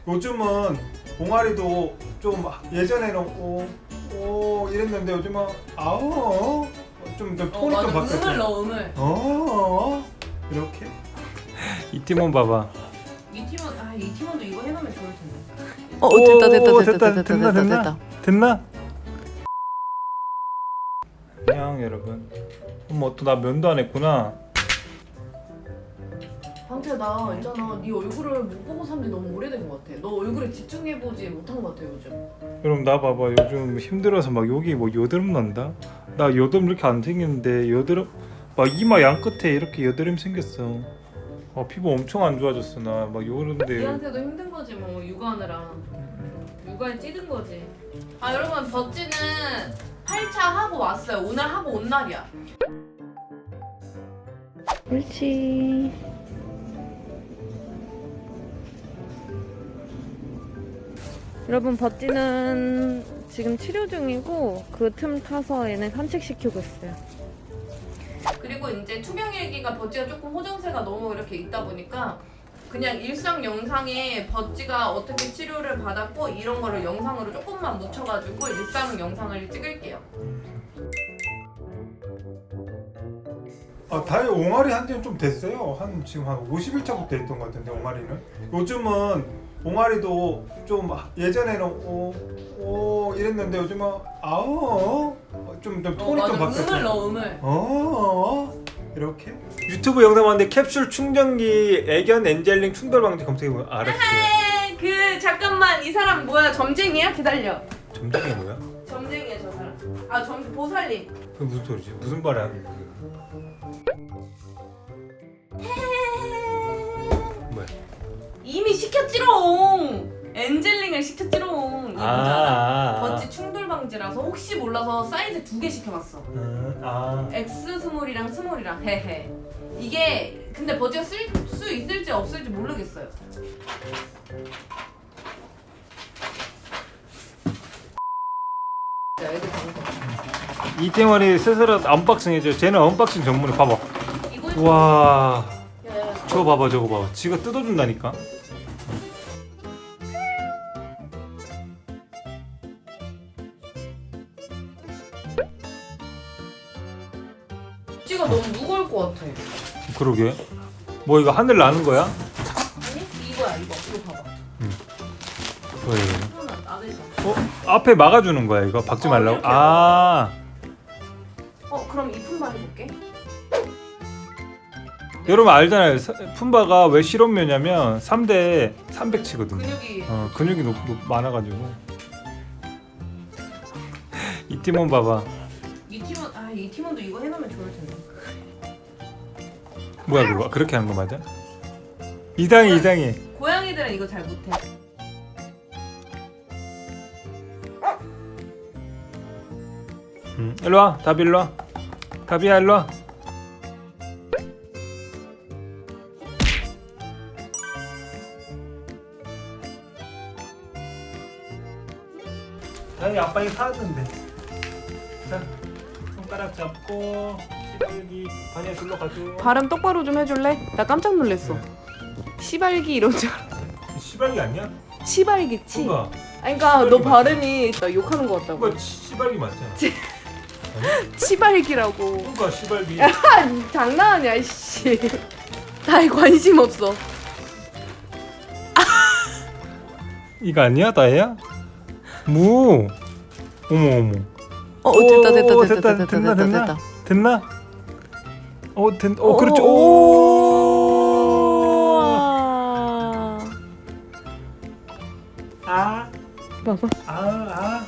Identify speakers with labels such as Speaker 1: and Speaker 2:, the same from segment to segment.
Speaker 1: 요즘은 옹알이도 좀 예전에는 이랬는데 요즘은 좀 톤이 좀 바뀌었어.
Speaker 2: 음을 넣어.
Speaker 1: 이렇게 이티몬 봐봐.
Speaker 2: 이티몬도 이거 해놓으면 좋을 텐데.
Speaker 1: 됐나? 안녕 여러분. 또 나 면도 안 했구나.
Speaker 2: 방태야, 나 있잖아, 네 얼굴을 못 보고 산 지 너무 오래된 것 같아. 너 얼굴에 집중해보지 못한 것 같아 요즘.
Speaker 1: 여러분 나 봐봐. 요즘 힘들어서 막 여기 뭐 여드름 난다. 나 여드름 이렇게 안 생겼는데 여드름 막 이마 양 끝에 이렇게 여드름 생겼어. 피부 엄청 안 좋아졌어. 나 막 요런데.
Speaker 2: 니한테도 힘든 거지 뭐, 육아하느라. 육아에 찌든 거지. 여러분, 버찌는 8차 하고 왔어요. 오늘 하고 온 날이야.
Speaker 3: 옳지. 여러분, 버찌는 지금 치료 중이고 그 틈 타서 얘네 산책시키고 있어요.
Speaker 2: 그리고 이제 투명일기가 버찌가 조금 호정세가 너무 이렇게 있다 보니까 그냥 일상 영상에 버찌가 어떻게 치료를 받았고 이런 거를 영상으로 조금만 묻혀가지고 일상 영상을 찍을게요.
Speaker 1: 다이 옹알이 한 지는 좀 됐어요. 지금 한 50일차부터 했던 것 같은데 옹알이는. 요즘은 옹알이도 좀 예전에는 이랬는데 요즘은 좀 톤이 좀 바뀌었어.
Speaker 2: 음을.
Speaker 1: 이렇게 유튜브 영상 봤는데 캡슐 충전기 애견 엔젤링 충돌 방지 검색해보면 알았어요.
Speaker 2: 잠깐만, 이 사람 뭐야? 점쟁이야? 기다려.
Speaker 1: 점쟁이 뭐야?
Speaker 2: 점쟁이야 저 사람. 보살님.
Speaker 1: 그게 무슨 소리지? 무슨 말이야? 뭐야?
Speaker 2: 이미 시켰지롱. 엔젤링을 시켰지롱. 이 모자라. 버찌 충돌 방지라서 혹시 몰라서 사이즈 2개 시켜봤어. X 스몰이랑 스몰이랑. 헤헤. 이게 근데 버찌가 쓸 수 있을지 없을지 모르겠어요. 자, 애들 방금.
Speaker 1: 이태원이 스스로 언박싱 해줘. 쟤는 언박싱 전문에 봐봐.
Speaker 2: 이거
Speaker 1: 와,
Speaker 2: 야,
Speaker 1: 저거 봐봐. 지가 뜯어준다니까.
Speaker 2: 버찌가 너무 무거울 것 같아.
Speaker 1: 그러게. 뭐 이거 하늘 나는 거야?
Speaker 2: 아니? 이거야 이거. 이거 봐봐.
Speaker 1: 왜?
Speaker 2: 하나 나대서.
Speaker 1: 앞에 막아주는 거야 이거 박지 말라고?
Speaker 2: 이렇게. 그럼 이 품바 해볼게.
Speaker 1: 여러분 알잖아요. 품바가 왜 실험묘냐면 3대 300치거든요.
Speaker 2: 근육이.
Speaker 1: 근육이 많아가지고. 이 팀원 봐봐.
Speaker 2: 이 팀원도 이거 해놓으면 좋을 텐데.
Speaker 1: 뭐야 그거? 그렇게 하는 거 맞아? 이상해.
Speaker 2: 고양이들은 이거 잘 못해.
Speaker 1: 일로 와. 다비 일로 와. 다비야 일로 와. 다비 아빠가 사왔는데. 자, 손가락 잡고 시발기 반야 둘러 가줘.
Speaker 2: 발음 똑바로 좀 해줄래? 나 깜짝 놀랐어. 시발기 이런 줄 알았어.
Speaker 1: 시발기 아니야?
Speaker 2: 시발기치.
Speaker 1: 뭔가
Speaker 2: 그러니까 너
Speaker 1: 시발기
Speaker 2: 발음이 나 욕하는 것 같다고.
Speaker 1: 뭔가 시발기 맞잖아.
Speaker 2: 시발기라고.
Speaker 1: 뭔가 시발기.
Speaker 2: 장난하냐 씨. 나에 관심 없어.
Speaker 1: 이거 아니야 다혜야? 무. 어머. 됐나? 그렇죠.
Speaker 2: 봐봐.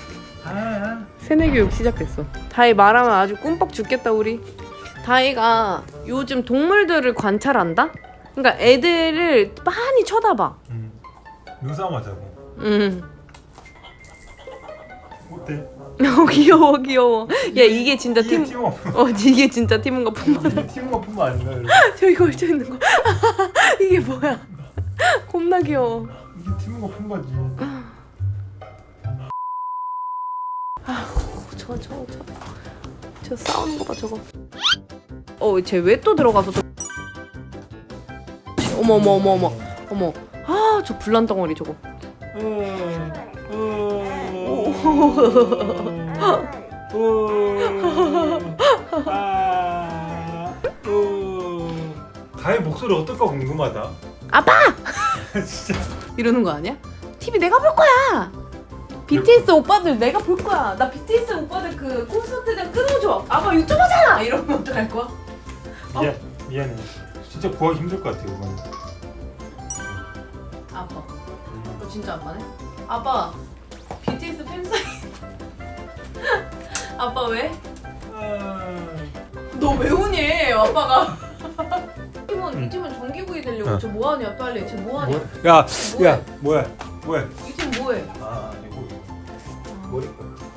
Speaker 2: 새내교육 시작됐어. 다이 말하면 아주 꿈뻑 죽겠다 우리. 다이가 요즘 동물들을 관찰한다? 그러니까 애들을 많이 쳐다봐.
Speaker 1: 눈싸움하자고. 어때?
Speaker 2: 귀여워. 야 이게 진짜 이게 진짜 팀원과 품바다.
Speaker 1: 이게 팀워크 뿐만 아니라
Speaker 2: 저기 걸쳐 있는 거. 이게 뭐야? 겁나 귀여워.
Speaker 1: 이게 팀워크 품바지.
Speaker 2: 저 싸우는 거 봐 저거. 쟤 왜 또 들어가서 어머. 아, 저 불난 덩어리 저거.
Speaker 1: 가의 목소리 어떨까 궁금하다.
Speaker 2: 아빠!
Speaker 1: 진짜.
Speaker 2: 이러는 거 아니야? TV 내가 볼 거야. BTS 오빠들 내가 볼 거야. 나 BTS 오빠들 그 콘서트장 끊어줘. 아빠 유튜버잖아. 이러면 어떡할 거야?
Speaker 1: 미안해. 진짜 구하기 힘들 것 같아 이건.
Speaker 2: 아빠. 너 진짜 아빠네? 아빠. BTS 팬사인. 아빠 왜? 너 왜 우니? 아빠가. 이 팀은 전기구이 되려고 저 뭐하냐 빨리. 쟤 뭐하냐?
Speaker 1: 야
Speaker 2: 뭐해?
Speaker 1: 뭐야?
Speaker 2: 이 팀 뭐해?
Speaker 1: 아 이거 머리.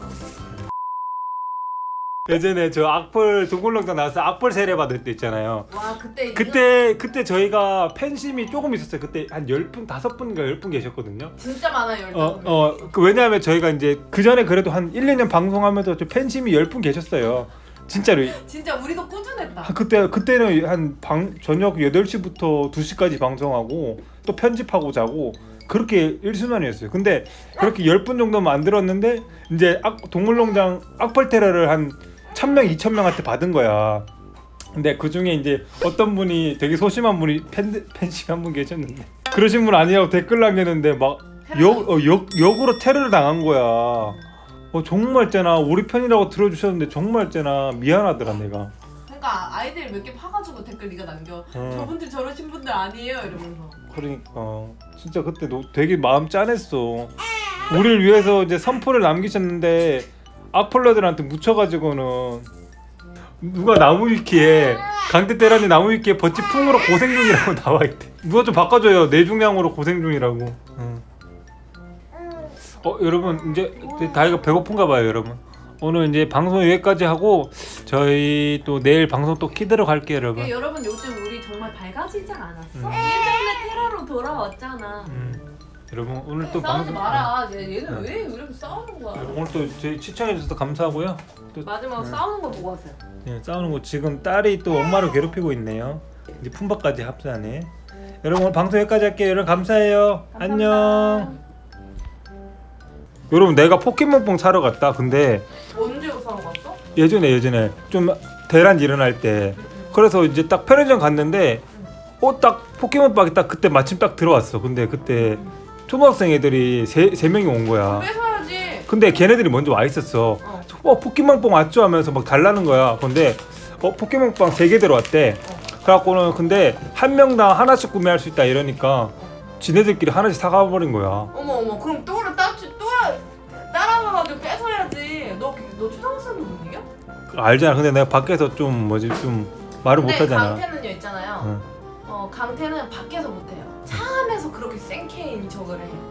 Speaker 1: 예전에 저 악플 동굴농장 나와서 악플 세례 받을 때 있잖아요.
Speaker 2: 와 그때
Speaker 1: 그때 저희가 팬심이 조금 있었어요. 그때 한 10분, 5분인가 10분 계셨거든요.
Speaker 2: 진짜 많아요. 15분.
Speaker 1: 왜냐하면 저희가 이제 그 전에 그래도 한 1, 2년 방송하면서 저 팬심이 10분 계셨어요. 진짜로.
Speaker 2: 진짜 우리도 꾸준했다.
Speaker 1: 그때는 한 저녁 8시부터 2시까지 방송하고 또 편집하고 자고 그렇게 일순환이었어요. 근데 그렇게 10분 정도 만들었는데 이제 동물농장 악플 테러를 한 1000명, 2000명한테 받은 거야. 근데 그 중에 이제 어떤 분이 되게 소심한 분이 팬심 한 분 계셨는데 그러신 분 아니라고 댓글 남겼는데 막 역으로 테러를 당한 거야. 정말 쟤나 우리 편이라고 들어주셨는데 정말 쟤나 미안하더라 내가.
Speaker 2: 그러니까 아이들 몇 개 파가지고 댓글 네가 남겨. 저분들 저러신 분들 아니에요 이러면서.
Speaker 1: 그러니까 진짜 그때 너 되게 마음 짠했어. 우리를 위해서 이제 선포를 남기셨는데 악플러들한테 묻혀가지고는 누가 나무 위키에 강대 때라니 나무 위키에 버치 풍으로 고생 중이라고 나와 있대. 누가 좀 바꿔줘요. 뇌중량으로 고생 중이라고. 여러분 이제 다이가 배고픈가 봐요 여러분. 오늘 이제 방송 여기까지 하고 저희 또 내일 방송 또 키도록 할게요 여러분.
Speaker 2: 여러분 요즘 우리 정말 밝아지지 않았어? 예전에 테러로 돌아왔잖아.
Speaker 1: 여러분 오늘 또
Speaker 2: 싸우지
Speaker 1: 방송
Speaker 2: 마라. 얘는 왜 이렇게 싸우는 거야?
Speaker 1: 오늘 또 저희 시청해주셔서 감사하고요. 또
Speaker 2: 마지막 싸우는 거 보고 하세요.
Speaker 1: 네, 싸우는 거 지금 딸이 또 엄마를 괴롭히고 있네요. 이제 품바까지 합사네. 여러분 오늘 방송 여기까지 할게요. 여러분 감사해요. 안녕. 여러분 내가 포켓몬뽕 사러 갔다. 근데
Speaker 2: 언제 사러 갔어?
Speaker 1: 예전에 좀 대란 일어날 때 그래서 이제 딱 편의점 갔는데 딱 포켓몬빵이 딱 그때 마침 딱 들어왔어. 근데 그때 초등학생 애들이 세 명이 온 거야.
Speaker 2: 뺏어야지.
Speaker 1: 근데 걔네들이 먼저 와 있었어. 포켓몬빵 왔죠 하면서 막 달라는 거야. 근데 포켓몬빵 3개 들어왔대. 그래갖고는 근데 한 명당 하나씩 구매할 수 있다 이러니까 지네들끼리 하나씩 사가버린 거야.
Speaker 2: 어머 그럼 또 따라와가지고 뺏어야지. 너 초등학생도 못 이겨?
Speaker 1: 알잖아. 근데 내가 밖에서 좀 말을 못하잖아.
Speaker 2: 강태는요 있잖아요. 강태는 밖에서 못해요. 차 안에서 그렇게 생케인 척을 해.